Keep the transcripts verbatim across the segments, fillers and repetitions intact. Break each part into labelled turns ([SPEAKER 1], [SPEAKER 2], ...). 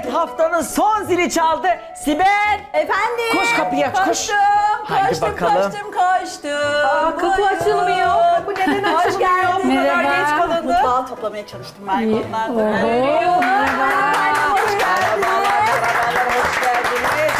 [SPEAKER 1] Evet, haftanın son zili çaldı. Sibel!
[SPEAKER 2] Efendim?
[SPEAKER 1] Koş kapıyı aç, koş.
[SPEAKER 2] Koştum,
[SPEAKER 1] Haydi
[SPEAKER 2] koştum,
[SPEAKER 1] bakalım.
[SPEAKER 2] koştum, koştum.
[SPEAKER 3] Aa, kapı açılmıyor. Kapı neden açılmıyor?
[SPEAKER 2] Hoş geldin.
[SPEAKER 3] Bu kadar geç kalındı.
[SPEAKER 2] Mutfağı toplamaya çalıştım ben onlardan.
[SPEAKER 3] Merhaba.
[SPEAKER 2] Hoş geldin.
[SPEAKER 1] Hoş geldiniz.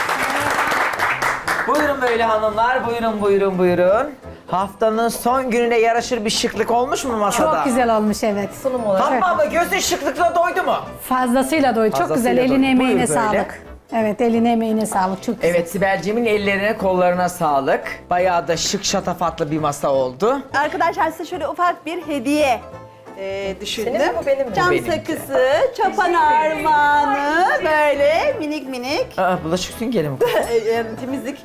[SPEAKER 1] Buyurun böyle hanımlar, buyurun buyurun buyurun. Haftanın son gününe yaraşır bir şıklık olmuş mu masada?
[SPEAKER 4] Çok güzel olmuş evet.
[SPEAKER 3] Sunum olarak.
[SPEAKER 1] Fatma abla gözün şıklıkla doydu mu?
[SPEAKER 4] Fazlasıyla doy. Çok
[SPEAKER 1] Fazlasıyla
[SPEAKER 4] güzel.
[SPEAKER 1] doy.
[SPEAKER 4] Eline emeğine
[SPEAKER 1] Buyur böyle.
[SPEAKER 4] sağlık. Evet eline emeğine sağlık. Çok güzel.
[SPEAKER 1] Evet, Sibel'cimin ellerine kollarına sağlık. Bayağı da şık şatafatlı bir masa oldu.
[SPEAKER 2] Arkadaşlar size şöyle ufak bir hediye e, düşündüm.
[SPEAKER 3] Senin mi bu, benim mi?
[SPEAKER 2] Cam
[SPEAKER 1] Bu benimki.
[SPEAKER 2] sakızı, çapan armağanı böyle minik minik
[SPEAKER 1] Aa, bulaşık süngeri mi?
[SPEAKER 2] e, e, temizlik.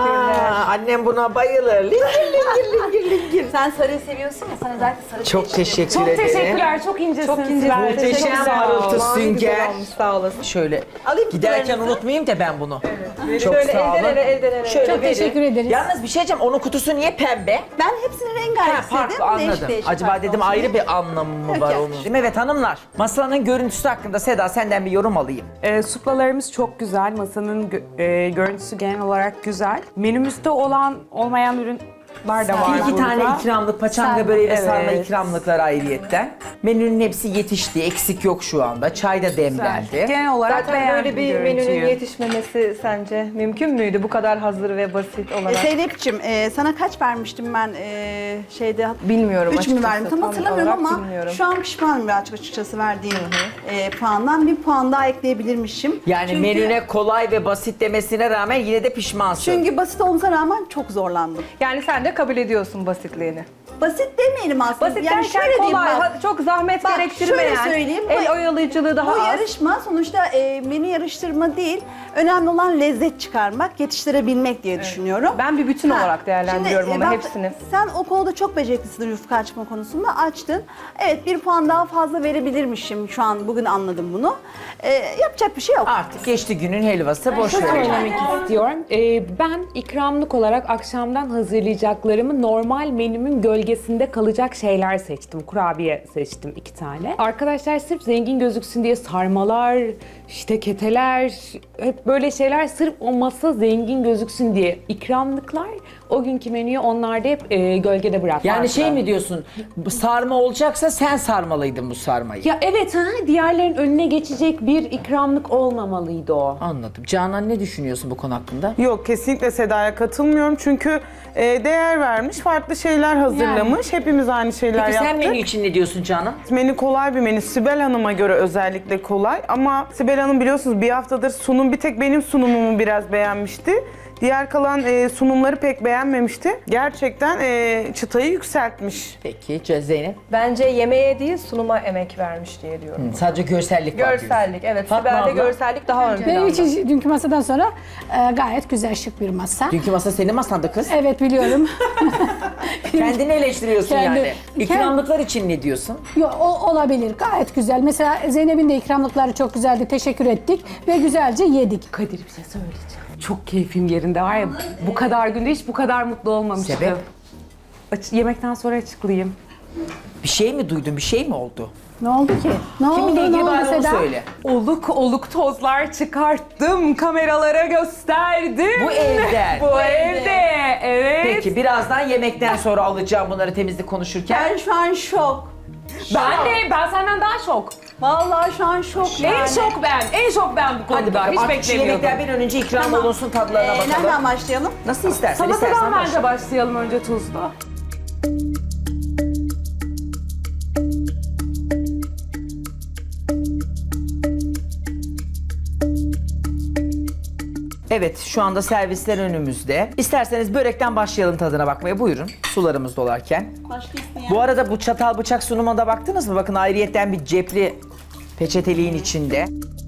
[SPEAKER 1] Aa, annem buna bayılır. Lingir lingir lingir lingir.
[SPEAKER 2] Sen sarıyı seviyorsun ya, sana özellikle sarı
[SPEAKER 1] Çok teşekkür
[SPEAKER 3] Çok
[SPEAKER 1] ederim.
[SPEAKER 3] teşekkürler. Çok incesiniz. Çok
[SPEAKER 1] Muhteşem parıltı sünger.
[SPEAKER 3] Sağ olasın.
[SPEAKER 1] Şöyle
[SPEAKER 2] Alayım
[SPEAKER 1] giderken
[SPEAKER 2] kutularınızı.
[SPEAKER 1] unutmayayım da ben bunu. Çok
[SPEAKER 3] Şöyle
[SPEAKER 1] sağ olun.
[SPEAKER 3] elden ele, elden ele.
[SPEAKER 1] Şöyle
[SPEAKER 4] Çok
[SPEAKER 1] verin.
[SPEAKER 4] teşekkür ederiz.
[SPEAKER 1] Yalnız bir şey diyeceğim, onun kutusu niye pembe?
[SPEAKER 2] Ben hepsini
[SPEAKER 1] Ha,
[SPEAKER 2] rengarenk
[SPEAKER 1] farklı
[SPEAKER 2] istedim.
[SPEAKER 1] anladım.
[SPEAKER 2] Değişik değişik
[SPEAKER 1] Acaba
[SPEAKER 2] farklı
[SPEAKER 1] dedim
[SPEAKER 2] olsun.
[SPEAKER 1] ayrı bir anlamı mı
[SPEAKER 2] Yok,
[SPEAKER 1] var
[SPEAKER 2] yok.
[SPEAKER 1] onun? Evet hanımlar, masanın görüntüsü hakkında Seda senden bir yorum alayım.
[SPEAKER 5] E, suplalarımız çok güzel. Masanın gö- e, görüntüsü genel olarak güzel. Menümüzde olan olmayan ürünler de var
[SPEAKER 1] İki
[SPEAKER 5] burada.
[SPEAKER 1] tane ikramlık, paçanga
[SPEAKER 4] Sarma.
[SPEAKER 1] böreği ve sarma
[SPEAKER 5] Evet.
[SPEAKER 1] ikramlıklar ayrıyetten. Menünün hepsi yetişti, eksik yok şu anda. Çay da demlendi.
[SPEAKER 5] Genel olarak
[SPEAKER 3] Zaten
[SPEAKER 5] beğendim
[SPEAKER 3] böyle bir
[SPEAKER 5] görüntüyü.
[SPEAKER 3] menünün yetişmemesi sence mümkün müydü bu kadar hazır ve basit
[SPEAKER 2] E,
[SPEAKER 3] olarak?
[SPEAKER 2] Zeynep'ciğim e, sana kaç vermiştim ben e, şeyde?
[SPEAKER 3] Bilmiyorum
[SPEAKER 2] Üç mü
[SPEAKER 3] açıkçası,
[SPEAKER 2] verdim tam
[SPEAKER 3] tam
[SPEAKER 2] hatırlamıyorum
[SPEAKER 3] olarak
[SPEAKER 2] ama
[SPEAKER 3] bilmiyorum.
[SPEAKER 2] şu an pişmanım birazcık açıkçası verdiğim e, puandan. Bir puan daha ekleyebilirmişim.
[SPEAKER 1] Yani
[SPEAKER 2] Çünkü-
[SPEAKER 1] menüne kolay ve basit demesine rağmen yine de pişmansın.
[SPEAKER 2] Çünkü basit olmasına rağmen çok zorlandım.
[SPEAKER 3] Yani sen de kabul ediyorsun basitliğini.
[SPEAKER 2] Basit demeyelim aslında.
[SPEAKER 3] Basit
[SPEAKER 2] yani
[SPEAKER 3] derken
[SPEAKER 2] şöyle diyeyim
[SPEAKER 3] kolay,
[SPEAKER 2] bak.
[SPEAKER 3] ha- çok zahmet
[SPEAKER 2] Bak,
[SPEAKER 3] gerektirmeyen,
[SPEAKER 2] şöyle söyleyeyim,
[SPEAKER 3] el
[SPEAKER 2] bu-
[SPEAKER 3] oyalayıcılığı daha
[SPEAKER 2] Bu
[SPEAKER 3] az.
[SPEAKER 2] yarışma sonuçta e, menü yarıştırma değil. Önemli olan lezzet çıkarmak, yetiştirebilmek diye düşünüyorum.
[SPEAKER 3] Ben bir bütün
[SPEAKER 2] Ha,
[SPEAKER 3] olarak değerlendiriyorum
[SPEAKER 2] şimdi, e,
[SPEAKER 3] ama
[SPEAKER 2] bak,
[SPEAKER 3] hepsini.
[SPEAKER 2] Sen o konuda çok beceriklisin yufka açma konusunda. Açtın. Evet bir puan daha fazla verebilirmişim şu an. Bugün anladım bunu. E, yapacak bir şey yok.
[SPEAKER 1] Artık geçti günün helvası, boş ver.
[SPEAKER 5] söylemek istiyorum. Ee, ben ikramlık olarak akşamdan hazırlayacaklarımı normal menümün gölgesinde kalacak şeyler seçtim. Kurabiye seçtim iki tane. Arkadaşlar sırf zengin gözüksün diye sarmalar, işte keteler, hep böyle şeyler sırf o masa zengin gözüksün diye. İkramlıklar o günkü menüyü onlar da hep e, gölgede bıraktılar.
[SPEAKER 1] Yani şey mi diyorsun, bu sarma olacaksa sen sarmalıydın bu sarmayı.
[SPEAKER 5] Ya evet, ha, diğerlerin önüne geçecek bir ikramlık olmamalıydı o.
[SPEAKER 1] Anladım. Canan ne düşünüyorsun bu konu hakkında?
[SPEAKER 6] Yok, kesinlikle Seda'ya katılmıyorum çünkü e, değer vermiş, farklı şeyler hazırlamış. Hepimiz aynı şeyler
[SPEAKER 1] Peki sen
[SPEAKER 6] yaptık.
[SPEAKER 1] menü için ne diyorsun Canan?
[SPEAKER 6] Menü kolay bir menü. Sibel Hanım'a göre özellikle kolay. Ama Sibel Hanım biliyorsunuz bir haftadır sunum, bir tek benim sunumumu biraz beğenmişti. Diğer kalan e, sunumları pek beğenmemişti. Gerçekten e, çıtayı yükseltmiş.
[SPEAKER 1] Peki Ce- Zeynep?
[SPEAKER 3] Bence yemeğe değil sunuma emek vermiş diye diyorum.
[SPEAKER 1] Sadece görsellik var diyorsun.
[SPEAKER 3] Görsellik, evet.
[SPEAKER 1] Fatma
[SPEAKER 3] Sibel'de
[SPEAKER 1] abla?
[SPEAKER 3] görsellik daha ön
[SPEAKER 4] Benim
[SPEAKER 3] planda.
[SPEAKER 4] için dünkü masadan sonra e, gayet güzel şık bir masa.
[SPEAKER 1] Dünkü masa senin masanda kız.
[SPEAKER 4] Evet biliyorum.
[SPEAKER 1] Kendini eleştiriyorsun
[SPEAKER 4] Kendi-
[SPEAKER 1] yani. İkramlıklar için ne diyorsun?
[SPEAKER 4] Yo, o, olabilir gayet güzel. Mesela Zeynep'in de ikramlıkları çok güzeldi. Teşekkür ettik ve güzelce yedik.
[SPEAKER 5] Kadir, bir şey söyleyeceğim. Çok keyfim yerinde var ya, bu kadar günde hiç bu kadar mutlu olmamıştım.
[SPEAKER 1] Sebep?
[SPEAKER 5] Aç- yemekten sonra açıklayayım.
[SPEAKER 1] Bir şey mi duydun, bir şey mi oldu?
[SPEAKER 4] Ne oldu ki? Ne
[SPEAKER 1] Kiminle
[SPEAKER 4] oldu? Ne
[SPEAKER 1] ilgili
[SPEAKER 4] oldu
[SPEAKER 1] bari onu
[SPEAKER 4] Seda?
[SPEAKER 1] söyle.
[SPEAKER 5] Oluk oluk tozlar çıkarttım, kameralara gösterdim.
[SPEAKER 1] Bu evden.
[SPEAKER 5] Bu evde, evet.
[SPEAKER 1] Peki birazdan yemekten sonra alacağım bunları temizlik konuşurken.
[SPEAKER 2] Ben şu an şok.
[SPEAKER 5] Ben de, ben senden daha şok.
[SPEAKER 2] Vallahi şu an şok yani.
[SPEAKER 5] En şok ben, en şok ben bu konuda.
[SPEAKER 1] Hadi bakalım.
[SPEAKER 5] Hiç
[SPEAKER 1] Artık şu
[SPEAKER 5] beklemiyordum.
[SPEAKER 1] yemekler bir an önce ikram olunsun, tadlarına
[SPEAKER 2] Ee,
[SPEAKER 1] bakalım.
[SPEAKER 2] nereden başlayalım?
[SPEAKER 1] Nasıl istersen, istersen
[SPEAKER 5] Salatadan
[SPEAKER 1] başla.
[SPEAKER 5] bence başlayalım önce tuzla.
[SPEAKER 1] Evet, şu anda servisler önümüzde. İsterseniz börekten başlayalım tadına bakmaya. Buyurun, sularımız dolarken.
[SPEAKER 2] Başka isteyen.
[SPEAKER 1] Bu arada bu çatal bıçak sunumuna da baktınız mı? Bakın ayrıyetten bir cepli peçeteliğin içinde.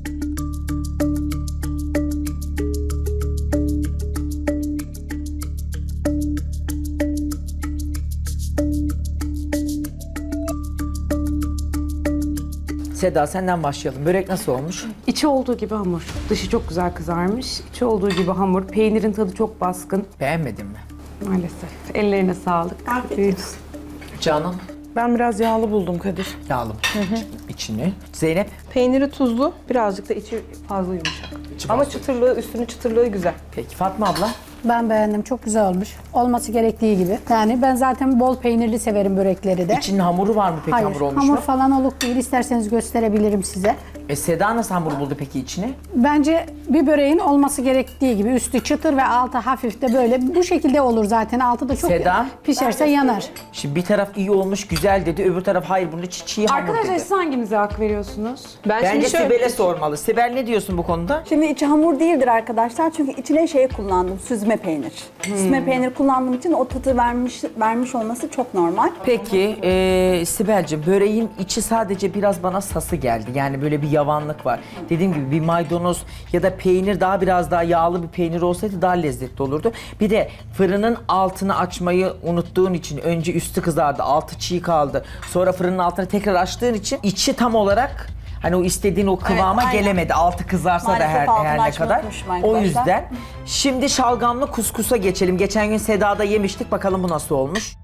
[SPEAKER 1] Seda senden başlayalım. Börek nasıl olmuş?
[SPEAKER 5] İçi olduğu gibi hamur. Dışı çok güzel kızarmış. İçi olduğu gibi hamur. Peynirin tadı çok baskın.
[SPEAKER 1] Beğenmedin mi?
[SPEAKER 5] Maalesef. Ellerine sağlık.
[SPEAKER 2] Afiyet olsun.
[SPEAKER 1] Canan?
[SPEAKER 6] Ben biraz yağlı buldum Kadir.
[SPEAKER 1] Yağlı içini. Zeynep.
[SPEAKER 3] Peyniri tuzlu, birazcık da içi fazla yumuşak. Ama çıtırlığı, üstünün çıtırlığı güzel.
[SPEAKER 1] Peki Fatma abla.
[SPEAKER 4] Ben beğendim. Çok güzel olmuş. Olması gerektiği gibi. Yani ben zaten bol peynirli severim börekleri de.
[SPEAKER 1] İçinin hamuru var mı peki,
[SPEAKER 4] Hayır,
[SPEAKER 1] hamur olmuş
[SPEAKER 4] hamur
[SPEAKER 1] mu?
[SPEAKER 4] falan oluk değil. İsterseniz gösterebilirim size.
[SPEAKER 1] E, Seda nasıl hamur buldu peki içine?
[SPEAKER 4] Bence bir böreğin olması gerektiği gibi üstü çıtır ve altı hafif de böyle bu şekilde olur zaten. Altı da çok
[SPEAKER 1] Seda?
[SPEAKER 4] pişerse yanar.
[SPEAKER 1] Şimdi bir taraf iyi olmuş, güzel dedi. Öbür taraf hayır, bunun içi çiğ hamur
[SPEAKER 5] Arkadaşlar
[SPEAKER 1] dedi.
[SPEAKER 5] siz hangimize hak veriyorsunuz?
[SPEAKER 3] Ben
[SPEAKER 1] Bence
[SPEAKER 3] şimdi şöyle...
[SPEAKER 1] Sibel'e sormalı. Sibel ne diyorsun bu konuda?
[SPEAKER 2] Şimdi içi hamur değildir arkadaşlar çünkü içine şey kullandım, süzme peynir. Süzme peynir kullandığım için o tadı vermiş vermiş olması çok normal.
[SPEAKER 1] Peki e, Sibel'cim, böreğin içi sadece biraz bana sası geldi. Yani böyle bir yavanlık var. Dediğim gibi bir maydanoz ya da peynir, daha biraz daha yağlı bir peynir olsaydı daha lezzetli olurdu. Bir de fırının altını açmayı unuttuğun için önce üstü kızardı, altı çiğ kaldı. Sonra fırının altını tekrar açtığın için içi tam olarak hani o istediğin o kıvama
[SPEAKER 2] aynen.
[SPEAKER 1] gelemedi. Altı kızarsa
[SPEAKER 2] Maalesef
[SPEAKER 1] da her,
[SPEAKER 2] altını
[SPEAKER 1] her ne
[SPEAKER 2] açmayı
[SPEAKER 1] kadar.
[SPEAKER 2] unutmuşum
[SPEAKER 1] O
[SPEAKER 2] arkadaşlar.
[SPEAKER 1] yüzden şimdi şalgamlı kuskusa geçelim. Geçen gün Seda'da yemiştik. Bakalım bu nasıl olmuş.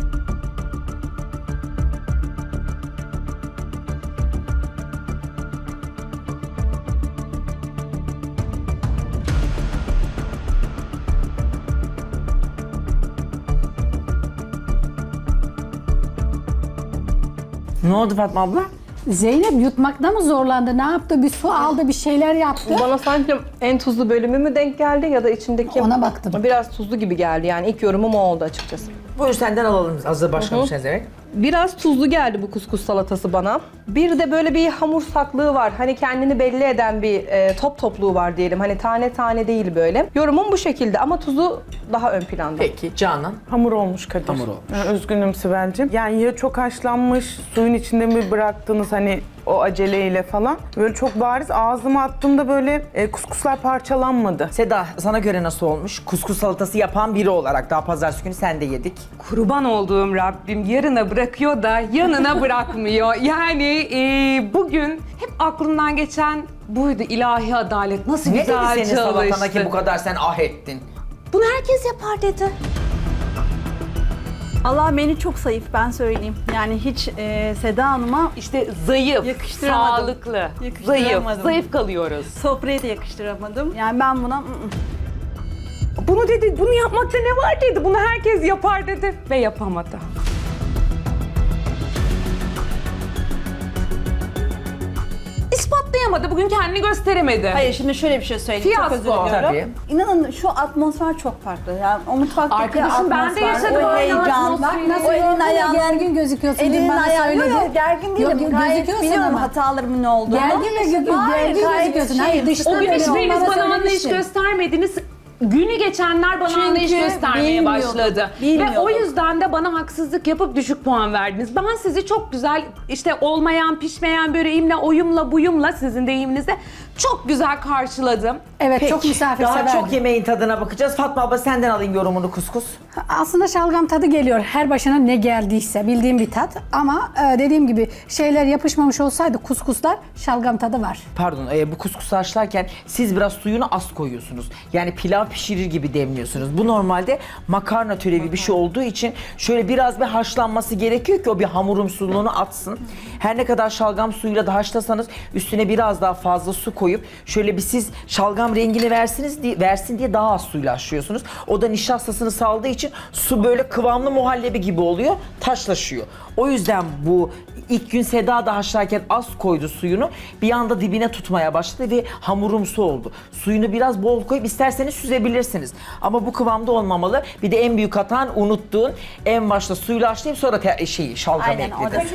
[SPEAKER 1] Ne oldu Fatma abla?
[SPEAKER 4] Zeynep yutmakta mı zorlandı? Ne yaptı? Bir su aldı, bir şeyler yaptı.
[SPEAKER 3] Bana sanki en tuzlu bölümü mü denk geldi ya da içindeki...
[SPEAKER 4] Ona baktım.
[SPEAKER 3] Biraz tuzlu gibi geldi yani ilk yorumum o oldu açıkçası.
[SPEAKER 1] Buyur senden alalım. Hazır başlamışsınız evet.
[SPEAKER 3] Biraz tuzlu geldi bu kuskus salatası bana. Bir de böyle bir hamur saklığı var. Hani kendini belli eden bir e, top topluğu var diyelim. Hani tane tane değil böyle. Yorumum bu şekilde ama tuzu daha ön planda.
[SPEAKER 1] Peki Canan.
[SPEAKER 6] Hamur olmuş Kadir.
[SPEAKER 1] Hamur olmuş.
[SPEAKER 6] Ee, Üzgünüm Sibel'cim. Yani ya çok haşlanmış, suyun içinde mi bıraktınız hani o aceleyle falan. Böyle çok bariz ağzıma attığımda böyle e, kuskuslar parçalanmadı.
[SPEAKER 1] Seda, sana göre nasıl olmuş? Kuskus salatası yapan biri olarak daha pazartesi günü sen de yedik.
[SPEAKER 5] Kurban olduğum Rabbim yarına bırakıyor da yanına bırakmıyor. Yani e, bugün hep aklımdan geçen buydu, ilahi adalet. Nasıl
[SPEAKER 1] Ne dedi
[SPEAKER 5] güzel
[SPEAKER 1] senin salatana
[SPEAKER 5] çalıştı.
[SPEAKER 1] ki bu kadar sen ah ettin?
[SPEAKER 5] Bunu herkes yapar dedi.
[SPEAKER 2] Allah beni çok zayıf ben söyleyeyim. Yani hiç e, Seda Hanım'a
[SPEAKER 5] İşte zayıf,
[SPEAKER 2] Yakıştıramadım.
[SPEAKER 5] sağlıklı, zayıf,
[SPEAKER 2] Yakıştıramadım.
[SPEAKER 5] zayıf kalıyoruz.
[SPEAKER 2] sofrayı da yakıştıramadım. Yani ben buna ı-ı.
[SPEAKER 5] Bunu dedi, bunu yapmakta ne var dedi, bunu herkes yapar dedi ve yapamadı. İspatlayamadı, bugün kendini gösteremedi.
[SPEAKER 2] Hayır şimdi şöyle bir şey söyleyeyim. Çok özür
[SPEAKER 5] Fiyasko.
[SPEAKER 2] diliyorum. İnanın şu atmosfer çok farklı. Yani o mutfaktaki
[SPEAKER 5] Arkadaşım, ben de
[SPEAKER 2] atmosfer,
[SPEAKER 5] yaşadım
[SPEAKER 2] o
[SPEAKER 5] aynı
[SPEAKER 2] heyecan,
[SPEAKER 5] atmosferi.
[SPEAKER 4] Nasıl
[SPEAKER 2] o elin
[SPEAKER 4] yorgun ve
[SPEAKER 2] ayağın,
[SPEAKER 4] gergin gözüküyorsun. dün
[SPEAKER 2] elinin
[SPEAKER 4] bana
[SPEAKER 2] ayağın.
[SPEAKER 4] söyledin.
[SPEAKER 2] Yok yok gergin değilim.
[SPEAKER 4] Yok, yok,
[SPEAKER 2] Gayet
[SPEAKER 4] gözüküyorsun
[SPEAKER 2] biliyorum
[SPEAKER 4] ama.
[SPEAKER 2] hatalarımın ne olduğunu.
[SPEAKER 4] Gergin ve gö-
[SPEAKER 2] Hayır,
[SPEAKER 4] gergin
[SPEAKER 2] gayet
[SPEAKER 4] gözüküyorsun.
[SPEAKER 2] şeyim.
[SPEAKER 4] Hayır, dıştan
[SPEAKER 5] O gün
[SPEAKER 4] öyle
[SPEAKER 5] hiçbiriniz
[SPEAKER 4] olmana
[SPEAKER 5] bana anlayış
[SPEAKER 4] söylemiştin.
[SPEAKER 5] göstermediniz. Günü geçenler bana
[SPEAKER 2] Çünkü
[SPEAKER 5] anlayış göstermeye
[SPEAKER 2] bilmiyordum,
[SPEAKER 5] başladı. Ve
[SPEAKER 2] bilmiyordum.
[SPEAKER 5] o yüzden de bana haksızlık yapıp düşük puan verdiniz. Ben sizi çok güzel işte olmayan, pişmeyen böreğimle, oyumla, buyumla sizin deyiminizle çok güzel karşıladım.
[SPEAKER 4] Evet,
[SPEAKER 1] Peki,
[SPEAKER 4] çok misafirseverdim.
[SPEAKER 1] daha çok yemeğin tadına bakacağız. Fatma abla senden alayım yorumunu kuskus.
[SPEAKER 4] Aslında şalgam tadı geliyor. Her başına ne geldiyse bildiğim bir tat. Ama e, dediğim gibi şeyler yapışmamış olsaydı kuskuslar şalgam tadı var.
[SPEAKER 1] Pardon, e, bu kuskusu haşlarken siz biraz suyunu az koyuyorsunuz. Yani pilav pişirir gibi demliyorsunuz. Bu normalde makarna türevi bir şey olduğu için şöyle biraz bir haşlanması gerekiyor ki o bir hamurumsuluğunu atsın. Her ne kadar şalgam suyuyla da haşlasanız üstüne biraz daha fazla su koyup şöyle bir siz şalgam rengini versiniz diye, versin diye daha az suyla haşlıyorsunuz. O da nişastasını saldığı için su böyle kıvamlı muhallebi gibi oluyor, taşlaşıyor. O yüzden bu ilk gün Seda da haşlarken az koydu suyunu. Bir anda dibine tutmaya başladı ve hamurumsu oldu. Suyunu biraz bol koyup isterseniz süzebilirsiniz. Ama bu kıvamda olmamalı. Bir de en büyük hatan unuttuğun en başta suyla haşlayıp sonra te- şeyi şalgamı
[SPEAKER 2] Aynen, o da
[SPEAKER 1] ekledin.